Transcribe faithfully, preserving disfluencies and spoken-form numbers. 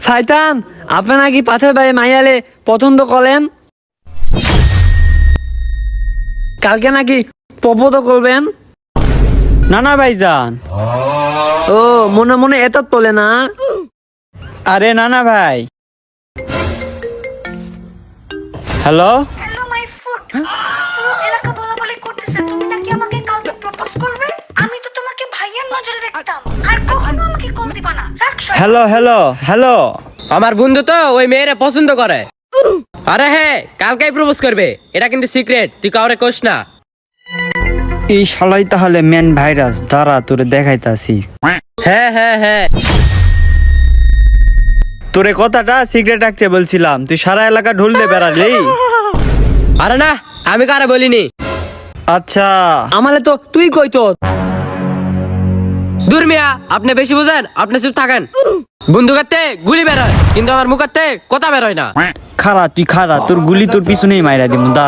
শয়তান, আপনি নাকি পাথর ভাই মাইয়ালে পছন্দ করেন, কালকে নাকি প্রপোজ করবেন। না না ভাইজান। ও মনে মনে এত তোলে না। আরে না না ভাই। হ্যালো হ্যালো মাই ফুড, পুরো এলাকা বলাবলি করতেছে তুমি নাকি আমাকে কালকে প্রপোজ করবে। আমি তো তোমাকে ভাইয়ের নজরে দেখতাম, আর কখনো আমাকে কল দিবা না। রাখ সব। Hello hello hello. আমার বন্ধু তো ওই মেয়েরে পছন্দ করে। আরে হ্যাঁ, কালকেই প্রপোজ করবে, এটা কিন্তু সিক্রেট, তুই কাউরে কোস না। এই শালাই তাহলে মেন ভাইরাস, দাঁড়া তোরে দেখাইতাছি। হ্যাঁ হ্যাঁ হ্যাঁ, তোরে কথাটা সিক্রেট রাখতে বলছিলাম, তুই সারা এলাকা ঢুলতে বেড়ালি। আরে না, আমি কারে বলিনি। আচ্ছা আমালে তো তুই কইতো। দূর মিয়া, আপনি বেশি বুঝেন, আপনি চুপ থাকেন। বন্ধু কাটতে গুলি বেরোয়, কিন্তু আমার মুখ কাটতে কথা বেরোয় না। খারা তুই খারা, তোর গুলি তোর পিছনেই মাইরা দিমু।